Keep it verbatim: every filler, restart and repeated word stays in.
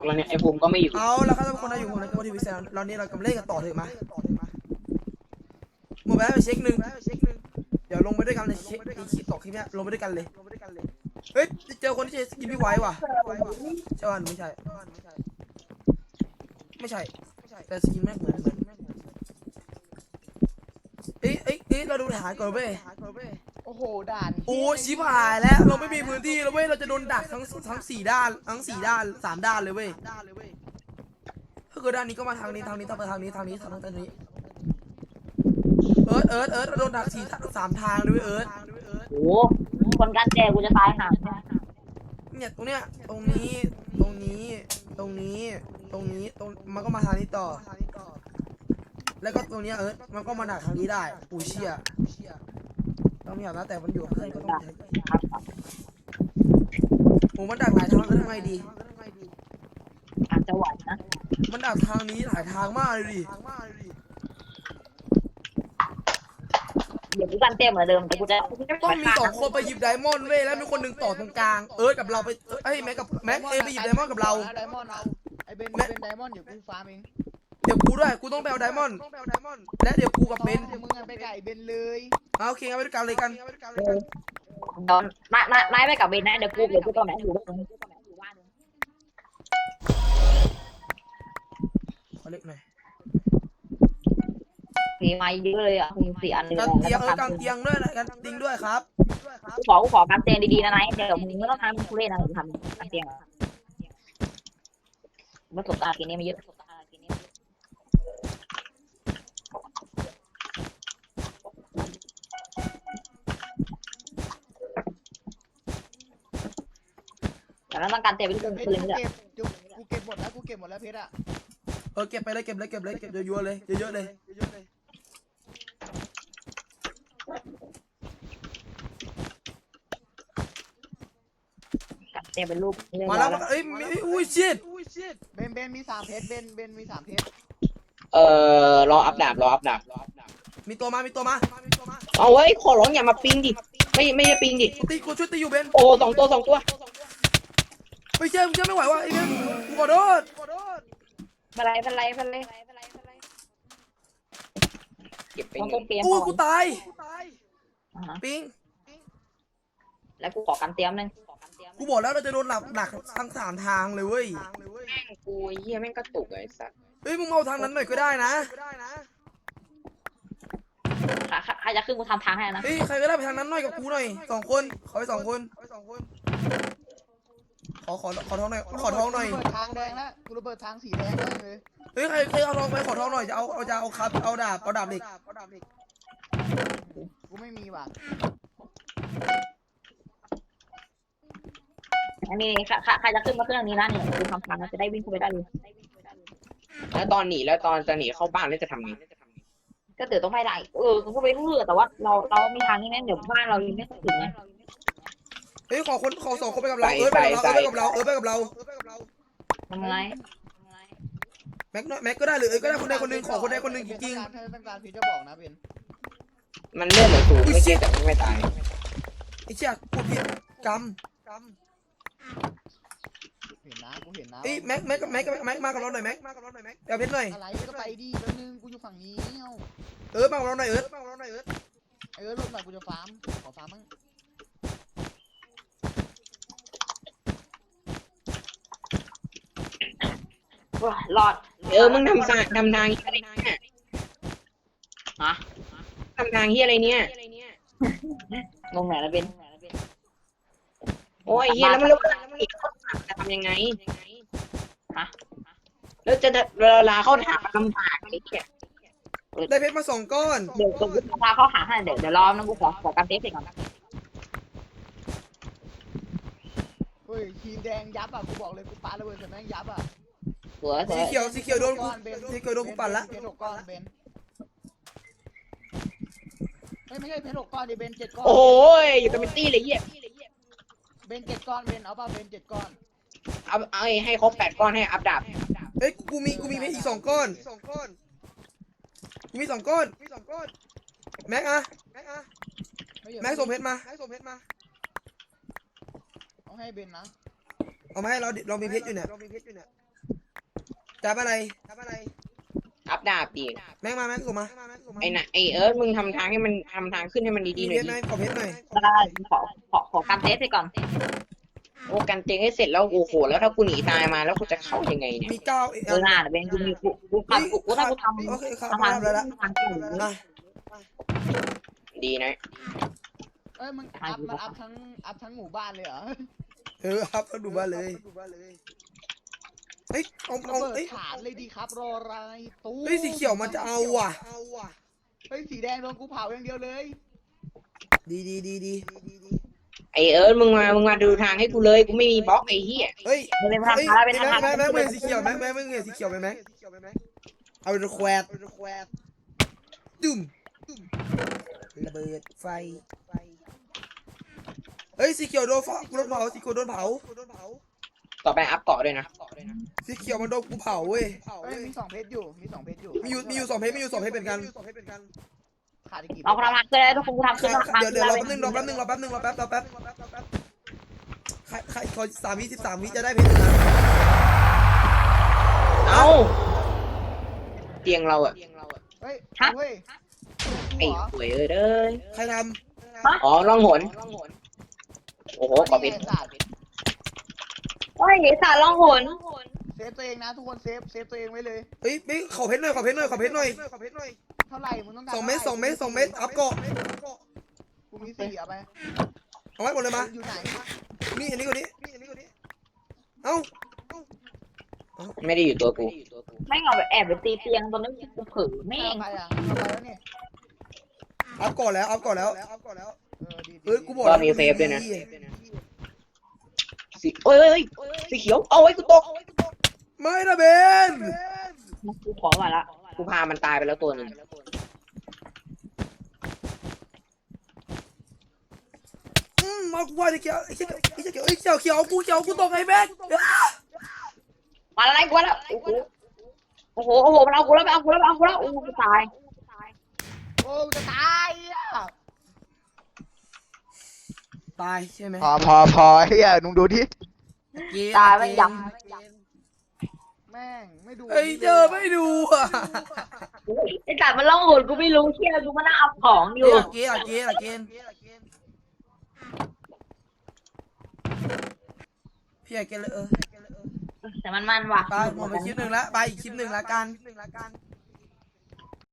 แล้วเนี่ยไอ้ภูมิก็ไม่อยู่เอาแล้วครับทุกคนเราอยู่ในกมทีวีแซนเรานี่เรากำลังเล่นกันต่อเถอะมาหมดไปแล้วไปเช็คหนึ่งเดี๋ยวลงไปด้วยกันเลยเช็คไอ้คลิปต่อคลิปเนี้ยลงไปด้วยกันเลยเฮ้ยเจอคนที่ใช้สกินพี่ไว้ว่ะใช่ป่ะไม่ใช่ไม่ใช่แต่สกินแม่งเหมือนเหมือนเอ้ยเอ้ยเอ้ยเราดูฐานก่อนเว้ยโอ้โหด่านโอ้ชิบหายแล้วเราไม่มีพื้นที่แล้วเว้ยเราจะโดนดักทั้งทั้งสี่ด้านทั้งสี่ด้านสามด้านเลยเว้ยถ้าเกิดด้านนี้ก็มาทางนี้ทางนี้ต้องไปทางนี้ทางนี้ทางนั้นทางนี้เอิร์ธเอิร์ธเอิร์ธเราโดนดักสี่สามทางเลยเว้ยเอิร์ธโอ้คนกันแจกูจะตายห่าเนี่ยตรงเนี้ยตรงนี้ตรงนี้ตรงนี้ตรงนี้ตรงมันก็มาทางนี้ต่อแล้วก็ตรงเนี้ยเอิร์ธมันก็มาดักทางนี้ได้ปูเชี่ยต้องมีแบบนั้นแต่มันอยู่เพื่อนก็ต้องใช้โอ้มันดักหลายทางแล้วทำไงดีอาจจะไหวนะมันดักทางนี้หลายทางมากเลยดิเดี๋ยวกูกันเต็มเหมือนเดิมแต่กูจะต้องมีสองคนไปหยิบไดมอนด์เว้ยแล้วมีคนหนึ่งต่อตรงกลางเอิร์ธกับเราไปเอ้ยแม็กกับแม็กเอไปหยิบไดมอนด์กับเราไดมอนด์เอาไอเบนเป็นไดมอนด์เดี๋ยวกูฟาร์มเองเดี๋ยวกูด้วยกูต้องไปเอาไดมอนด์และเดี๋ยวกูกับเบนมึงไปไก่เบนเลยโอเคงั้นไปด้วยกันเลยกันโดนนายนายไปกับเบนนะเดี๋ยวกูเดี๋ยวกูต้องแหนอยู่ตรงนี้ขอเล็กหน่อยมีไม้เยอะเลยอ่ะมีสี่อันเลยกันเตียงเออกันเตียงด้วยนะกันติงด้วยครับกูขอกูขอการเตียงดีๆนะนายเดี๋ยวมึงไม่ต้องทำกูเล่นนะมึงทำการเตียงประสบการณ์เกมนี้มันเยอะแต่แล้วต้องการเตียงไปที่ตรงคืนเลยกูเก็บหมดแล้วกูเก็บหมดแล้วเพชรอ่ะเออเก็บไปเลยเก็บเลยเก็บเลยเก็บเยอะๆเลยเยอะๆเลยเต็มเป็นรูปมาแล้วเอ้ยอุ้ยชิดเบนเบนมีสามเพชรเบนเบนมีสามเพชรเอ่อรออัพดาบรออัพดาบมีตัวมามีตัวมาเอาเว้ยขอร้องอย่ามาปิงดิไม่ไม่ใช่ปิงดิตีกูช่วยตีอยู่เบนโอ้สองตัวสองตัวไม่เชื่อมึงเชื่อไม่ไหวว่ะไอ้เบนกูขอโทษเป็นไรเป็นไรเป็นไรเก็บไปอู้กูตายปิงแล้วกูขอกันเตรียมนึงกูบอกแล้วเราจะโดนหลับหนักทั้งสามทางเลยเว้ยแม่งกูเหี้ยแม่งกระตุกไอ้สัสเฮ้ยมึงเอาทางนั้นหน่อยก็ได้นะใครจะขึ้นกูทำทางให้นะเฮ้ยใครก็ได้ไปทางนั้นหน่อยกับกูหน่อยสองคนขอไปสองคนขอขอขอท้องหน่อยขอท้องหน่อยเปิดทางแดงแล้วกูระเบิดทางสีแดงเลยเฮ้ยใครใครเอาทองไปขอท้องหน่อยจะเอาเอาจะเอาครับเอาดาบเอาดาบเหล็กกูไม่มีว่ะอันนี้ใครจะขึ้นมาเครื่องนี้นะเนี่ยกูทำทางจะได้วิ่งเข้าไปได้เลยแล้วตอนหนีแล้วตอนจะหนีเข้าบ้านแล้วจะทำไงก็เดี๋ยวต้องไปได้เออกูไปเรื่อยแต่ว่าเราเรามีทางนี้แน่เดี๋ยวบ้านเรายังไม่ถึงไงเฮ้ยขอคนขอสองคนไปกับเราเออไปกับเราเออไปกับเราเออไปกับเราทำไงแม็กแม็กก็ได้หรือเออก็ได้คนใดคนหนึ่งขอคนใดคนหนึ่งจริงๆถ้าต้องการพี่จะบอกนะเบนมันเลื่อนเหลือสูงไม่เจ็บแต่ไม่ตายไอ้เชี่ยกูผิดกรรมเห็นนะกูเห็นนะเอ้ยแม็กแม็กแม็กแม็กมากับเราหน่อยแม็กมากับเราหน่อยแม็กเอาเพชรหน่อยอะไรก็ไปดิแป๊บนึงกูอยู่ฝั่งนี้เออมากับเราหน่อยเอิร์ธมากับเราหน่อยเอิร์ธเออลงหน่อยกูจะฟาร์มขอฟาร์มมั้งหลอดเออมึงทำทางทำทางอะไรเนี่ยฮะทำทางที่อะไรเนี่ยงงไหนละเบนโอ้ยเฮียแล้วมันแล้วมันอีกข้อถามจะทำยังไงฮะแล้วจะเวลาเข้าถามลำบากไอ้เหี้ยได้เพชรมาสองก้อนเดี๋ยวกูจะพาเข้าหาให้เดี๋ยวเดี๋ยวรอนะกูขอขอการเทสก่อนเฮ้ยทีมแดงยับอ่ะกูบอกเลยกูปาระเบิดใส่แม่งยับอ่ะสีเขียวสีเขียวโดนกูสีเขียวโดนกูปั่นละเพชรหกก้อนเบนไม่ใช่เพชรหกก้อนดิเบนเจ็ดก้อนโอ้ยอยู่กับเมนตี้เลยเหี้ยเบนเจ็ดก้อนเบนเอาป่ะเบนเจ็ดก้อนเอาเอาให้ครบแปดก้อนให้อัพดาบเฮ้ยกูมีกูมีเพชรอีกสองก้อนกูมีสองก้อนแม็กอะแม็กอะแม็กส่งเพชรมาเอาให้เบนนะเอามาให้เราเรามีเพชรอยู่เนี่ยจับอะไรจับอะไรอัพดาบดิแม็กมาแม็กส่งมาไอ้น่ะไอ้เอิร์ธมึงทำทางให้มันทำทางขึ้นให้มันมีดีๆหเพน่อยชรไหมดิขอเพชรหน่อยได้ขอขอขอการเทสไปก่อนโอ้กันเตียงให้เสร็จแล้วโอ้โหแล้วถ้ากูหนีตายมาแล้วกูจะเข้ายังไงเนี่ยมีเก้าเอ็เออหน้าเดี๋ยวเบนกูมีกูกูทำกูกูถ้ากูทำโอเคครับทำทางแล้วละทางที่หนูนะดีนะเอ้ยมึงอัพมันอัพทั้งอัพทั้งหมู่บ้านเลยเหรอเออครับก็ดูบ้านเลยเฮ้ยเอาระเอาเบิดเฮ้ยฐานเลยดีครับรออะไรตู้เฮ้ยสีเขียวมันจะเอาว่ะเฮ้ยสีแดงโดนกูเผาอย่างเดียวเลยดีดีดีดีไอ้เอิร์ธมึงมามึงมาดูทางให้กูเลยกูไม่มีบล็อกไอ้เหี้ยเฮ้ยเบนเฮ้ยทำทางแล้วเป็นแม็กทางแม็กแม็กแม็กสีเขียวแม็กแม็กแม็กเงยสีเขียวไหมแม็กเอาเป็นแควดดุ่มระเบิดไฟเฮ้ยสีเขียวโดนโดนเผาสีเขียวโดนเผาต่อไปอัพเกาะด้วยนะสีเขียวมันโดนกูเผาเว้ยเฮ้ยมีสองเพชรอยู่มีสองเพชรอยู่มีอยู่มีอยู่สองเพชรมีอยู่สองเพชรเป็นกันขาดอีกกี่เราทำทางขึ้นได้ทุกคนกูทำขึ้นทางเดี๋ยวเดี๋ยวรอแป๊บนึงรอแป๊บนึงรอแป๊บนึงรอแป๊บรอแป๊บใครใครขอสามวิสิบสามวิจะได้เพชรนะเอ้าเตียงเราอะเฮ้ยเฮ้ยไอ้หวยเอ้ยเด้ยใครทอ๋อล่องหนโอ้โหกว่าเป็นสัตว์โอ้ยสารล่องหนเซฟตัวเองนะทุกคนเซฟเซฟตัวเองไว้เลยำเฮ้ยไม่ขอเพชรหน่อยขอเพชรหน่อยขอเพชรหน่อยเท่าไหร่มึงต้องการสองเมตรสองเมตรสองเมตรอัพเกาะกูมีสี่เอาไปเอาไว้หมดเลยมาอยู่ไหนนี่อันนี้คนนี้เอ้าไม่ได้อยู่ตัวกูไม่เอาแบบแอบไปตีเตียงตอนนั้นกูเผลอแม่งเอาไปอ่ะเอาไปแล้วนี่อัพเกาะแล้วอัพเกาะแล้วเออดีเอ้ยกูบอกก็มีเซฟด้วยนะสีโอ้ยเอ้ยสีเขียวเอาไว้กูตกไม่นะเบนกูขอมาละกูพามันตายไปแล้วตัวหนึ่งอืมมากูว่าไอ้เขียวไอ้เขียวไอ้เขียวไอ้เขียวเขียวกูเขียวกูตกไอ้เบนมาอะไรกูแล้วโอ้โหโอ้โหมันเอากูแล้วมันเอากูแล้วมันเอากูแล้วโอ้กูตายโอ้จะตายอ่ะตายใช่ไหมพอพอพอเฮียมึงดูดิตายมันยแม่งไม่ดูเฮ้ยเจอไม่ดูอ่ะำไอ้สัตว์มันล่องหนกูไม่รู้เชี่ยกูมานั่งเอาของอยู่เกย์อะเกย์อะเกย์พี่อะเกย์เลยเออแต่มันมันว่ะไปหมดไปคลิปหนึ่งแล้วไปอีกคลิปหนึ่งละกัน